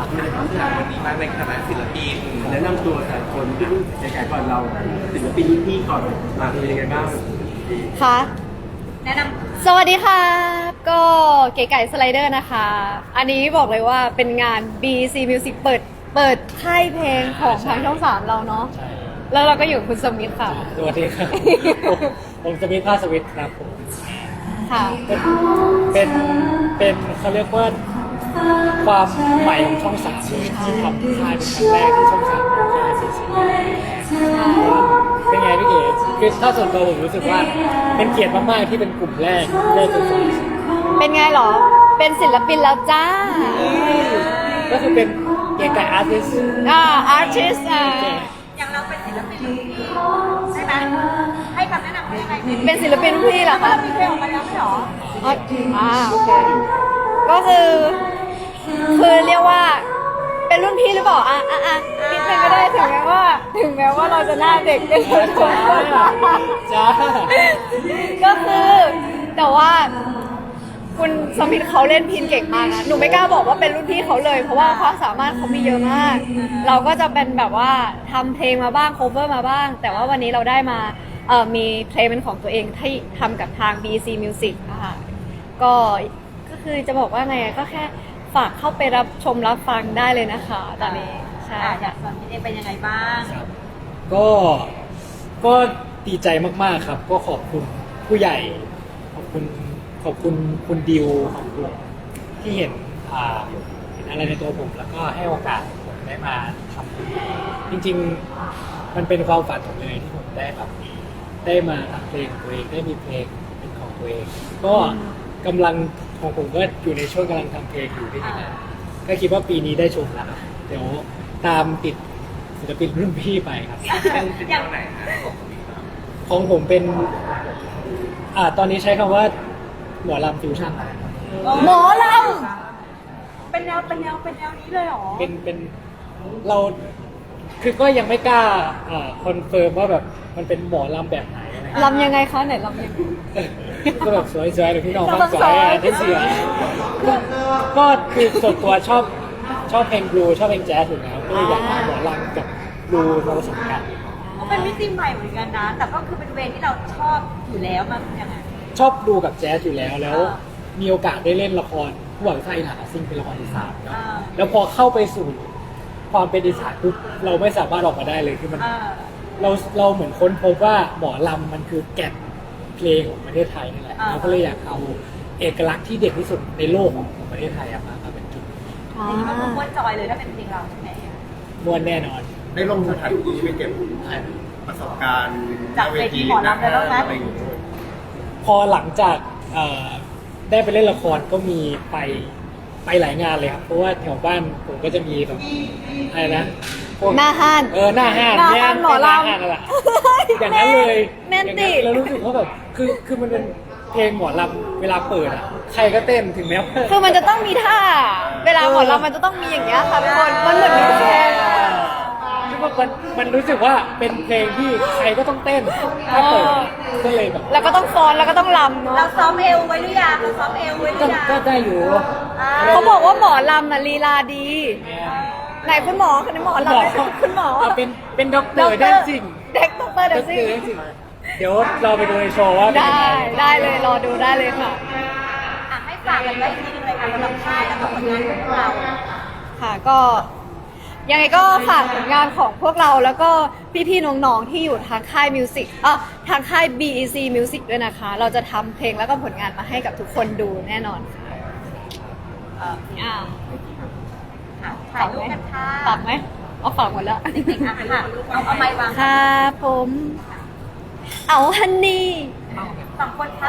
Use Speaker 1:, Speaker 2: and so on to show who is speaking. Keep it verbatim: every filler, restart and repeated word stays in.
Speaker 1: ในความที่วันนี้บ้างในฐานะศิลปินแนะนำตัวแต่คนที่รุ่นใหญ่ๆก่อนเราศิลปินรุ่นพี่ก่อนมาเป็นยังไงบ้าง
Speaker 2: ค่ะ
Speaker 3: แนะน
Speaker 2: ำสวัสดีค่ะก็เก๋ไก่สไลเดอร์นะคะอันนี้บอกเลยว่าเป็นงาน บี ซี Music เปิดเปิดค่ายเพลงของทางช่องสามเราเนาะแล้วเราก็อยู่คุณสมิธค่ะ
Speaker 4: สวัสดีครับ ผมสมิธภาสวิทย์ครับผม
Speaker 2: ค่ะ
Speaker 4: เป็นเป็นเป็นเขาเรียกว่าความใหม่ของช่องสามที่ทำค่ายเป็นครั้งแรกที่ช่องสามทำค่ายเป็นสิ่งแรกเป็นไงพี่เก๋คือถ้าส่วนตัวผมรู้สึกว่าเป็นเกียรติมากๆที่เป็นกลุ่มแรกที่ได้เป็นศิลปิน
Speaker 2: เป็นไงหรอเป็นศิลปินแล้วจ้า
Speaker 4: ก็คือเป็นเก๋ไก่อาร์ติสต์
Speaker 2: อ่าอาร์ติสต์อ่า
Speaker 3: อย่างเราเป็นศิลปินรุ่นพี่ใช่ไหมให้คำแนะนำให้ยังไง
Speaker 2: เป็นศิลปินรุ่นพี่เหรอคะ
Speaker 3: มีเพลงออกมาแล้วไม่หรอ
Speaker 2: อ่าโอเคก็คือคือเรียกว่าเป็นรุ่นพี่หรือเปล่าอ่ะอ่ะอ่ะนิดนึงก็ได้ถึงแม้ว่าถึงแม้ว่าเราจะหน้าเด็กเป็นคน
Speaker 4: จ้า
Speaker 2: ก็คือแต่ว่าคุณสมิธเขาเล่นพินเก่งมากนะหนูไม่กล้าบอกว่าเป็นรุ่นพี่เขาเลยเพราะว่าความสามารถเขามีเยอะมากเราก็จะเป็นแบบว่าทำเพลงมาบ้าง cover มาบ้างแต่ว่าวันนี้เราได้มาเอ่อมีเพลงเป็นของตัวเองที่ทำกับทาง บี ซี Music นะคะก็ก็คือจะบอกว่าไงก็แค่ฝากเข้าไปรับชมรับฟังได้เลยนะคะตอนนี้ใช่
Speaker 3: อยากสอนพี่เอเป็นยังไงบ้าง
Speaker 4: ก็ก็ดีใจมากๆครับก็ขอบคุณผู้ใหญ่ขอบคุณขอบคุณคุณดิวขอบคุณที่เห็นอ่าเห็นอะไรในตัวผมแล้วก็ให้โอกาสผมได้มาทำจริงๆมันเป็นความฝันผมเลยที่ผมได้แบบได้มาทำเพลงของตัวเองได้มีเพลงเป็นของตัวเองก็กำลังของผมก็อยู่ในช่วงกำลังทำเพลงอยู่ที่นี่ก็คิดว่าปีนี้ได้ชมแล้วครับเดี๋ยวตามติดศิลปินรุ่นพี่ไปครับ
Speaker 1: อย่างไหน
Speaker 4: ของผมเป็นอ่าตอนนี้ใช้คำว่าหมอลำฟิวชั่น
Speaker 2: หมอล
Speaker 3: ำเป็นแนวเป็นแนวเป็นแนวนี้เลยหรอ
Speaker 4: เป็นเป็นเราคือก็ยังไม่กล้าอ่าคอนเฟิร์มว่าแบบมันเป็นหมอลำแบบไหน
Speaker 2: ลำยังไงคะไหนลำยัง
Speaker 4: ก็แบบสวยๆหรือพี่น้องฟังสวยอ่ะที่เสียก็คือส่วนตัวชอบชอบเพลงบลูชอบเพลงแจ๊สอยู่แล้วก็เลยอยากเอาหมอลำกับบลูมาผสมกัน
Speaker 3: ก็เป็นมิติใหม่เหมือนกันนะแต่ก็คือเป็นเวย์ที่เราชอบอยู่แล้วมันยังไง
Speaker 4: ชอบดูกับแจ๊สอยู่แล้วแล้วมีโอกาสได้เล่นละครผู้หวังไส้หนาซึ่งเป็นละครอีสานเนาะแล้วพอเข้าไปสู่ความเป็นอีสานปุ๊บเราไม่สามารถออกมาได้เลยคือมันเราเราเหมือนค้นพบว่าหมอลำมันคือแก่นเพลงของประเทศไทยนี่แหละเราก็เลยอยากเอาเอกลักษณ์ที่เด่นที่สุดในโลกของประเทศไทยมามาเป็นจุด
Speaker 3: อันนี้มันม้วนจอยเลยถ้าเป็นเพลงเราใช่ไหม
Speaker 4: ม้วนแน่นอน
Speaker 1: ได้ลงสถานที่ไปเก็บประสบการณ์
Speaker 3: จากเวทีหมอลำเลยแล้วนะ
Speaker 4: พอหลังจากได้ไปเล่นละครก็มีไปไปหลายงานเลยครับเพราะว่าแถวบ้านผมก็จะมีแบบอะไรนะ
Speaker 2: หน้าห้าน
Speaker 4: เออหน้าห้าน
Speaker 2: หน้าห้านหมอลำ
Speaker 4: อย่างนั้นเลย
Speaker 2: แม่นติ
Speaker 4: เรารู้สึกว่าแบบคือคือมันเป็นเพลงหมอลำเวลาเปิดอ่ะใครก็เต้นถึงแม้
Speaker 2: คือมันจะต้องมีท่าเวลาหมอลำมันจะต้องมีอย่างเงี้ยค่ะทุกคนมันเหมือนมีแค่
Speaker 4: คือมันมันรู้สึกว่าเป็นเพลงที่ใครก็ต้องเต้นถ้าเปิดก็เลยแบบ
Speaker 2: แล้วก็ต้องฟ้อนแล้วก็ต้องรำเนาะ
Speaker 3: เราซ้อมเอวไว้หรือยังเราซ้อมเอวไว้หรือยัง
Speaker 4: ก็ได้อยู่
Speaker 2: เขาบอกว่าหมอลำน่ะลีลาดีไหนคุณหมอคุณหมอลำคุณหมอ
Speaker 4: เป็นเป็นด็อกเตอร์ได้จริง
Speaker 2: เด็กด็อกเตอร์ได้จริง
Speaker 4: เดี๋ยวเราไปดูในโชว์ว่า
Speaker 2: ได้ได้เลยรอดูได้เลยค่ะ
Speaker 3: ให้ฝากกันไว้ที่ในการสำหรับค่ายและผลงานของเรา
Speaker 2: ค่ะก็ยังไงก็ฝากผลงานของพวกเราแล้วก็พี่ๆน้องๆที่อยู่ทางค่ายมิวสิกอ่ะทางค่าย บี อี ซี Music ด้วยนะคะเราจะทำเพลงแล้วก็ผลงานมาให้กับทุกคนดูแน่นอนค่ะอ่า
Speaker 3: ถ่ายรูปกันค่ะ
Speaker 2: ฝากไหมเอาฝากหมดแล้ว
Speaker 3: จริงๆอ่ะค่ะเอาเอาไมค์วาง
Speaker 2: ค่ะผมเอาฮันนี่
Speaker 3: สองคน